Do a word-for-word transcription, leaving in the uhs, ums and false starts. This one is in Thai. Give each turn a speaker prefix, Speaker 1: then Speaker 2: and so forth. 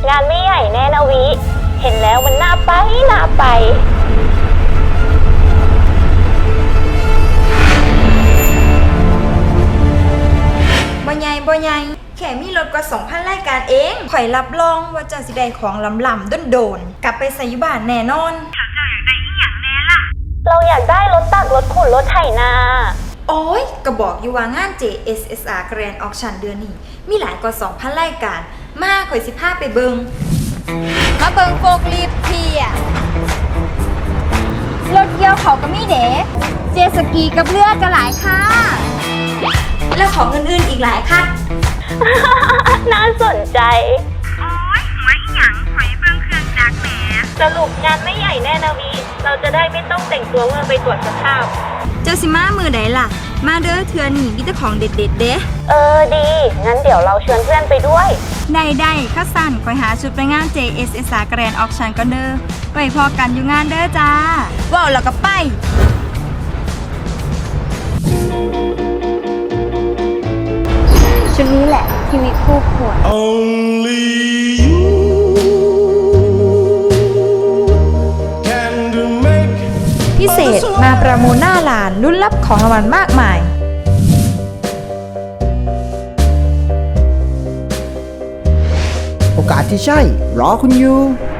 Speaker 1: งานไม่ใหญ่แน่นะวิเห็นแล้วมันน่าไปน่าไป
Speaker 2: บ่ใหญ่บ่ใหญ่แค่มีรถกว่า สองพัน รายการเองข่อยรับรองว่าเจ้าสิได้ของล้ำๆโดนๆกลับไปใส่อยู่บ้านแน่นอนเจ้าอยากได้อีหยังแน่ล่ะ
Speaker 1: เราอยากได้รถตักรถขุดรถไถนา
Speaker 2: โอ้ยก็บอกอยู่ว่างาน เจ เอส เอส อาร์ Grand Auction เดือนนี้มีหลายกว่า สองพัน รายการมาข่อยสิพาไปเบิงมาเบิงโฟกลิฟต์เทียรถเกี่ยวเขาก็มีเด๋เจสกีกับเรือก็หลายค่ะแล้วของอื่นๆอีกหลายค่ะ
Speaker 1: น่าสนใจ
Speaker 2: โอ้ยหัวอีหยังข่อยเบิงเครื่องจักรแหม
Speaker 1: สรุปงานไม่ใหญ่แน่นะวิเราจะได้ไม่ต้องแต่งตัวเมื่อไปตรวจสภาพ
Speaker 2: เจ้าสิมามือใดล่ะมาเด้อเทือนี่มีแต่ของเด็ดๆเด้
Speaker 1: เออดีงั้นเดี๋ยวเราชวนเพื่อนไปด้วย
Speaker 2: ได้ได้ข้าสั่นคอยหาชุดไปงาน เจ เอส เอส อาร์ Grand Auction ก็เด้อไว้พอกันอยู่งานเด้อจ้าว้าวแล้วก็ไปชุดนี้แหละทีวิคู่ควร
Speaker 3: Only you can make
Speaker 2: พิเศษมาประมูลหน้าร้านรุ่นรับของรางวัลมากมาย
Speaker 4: โอกาสที่ใช่รอคุณอยู่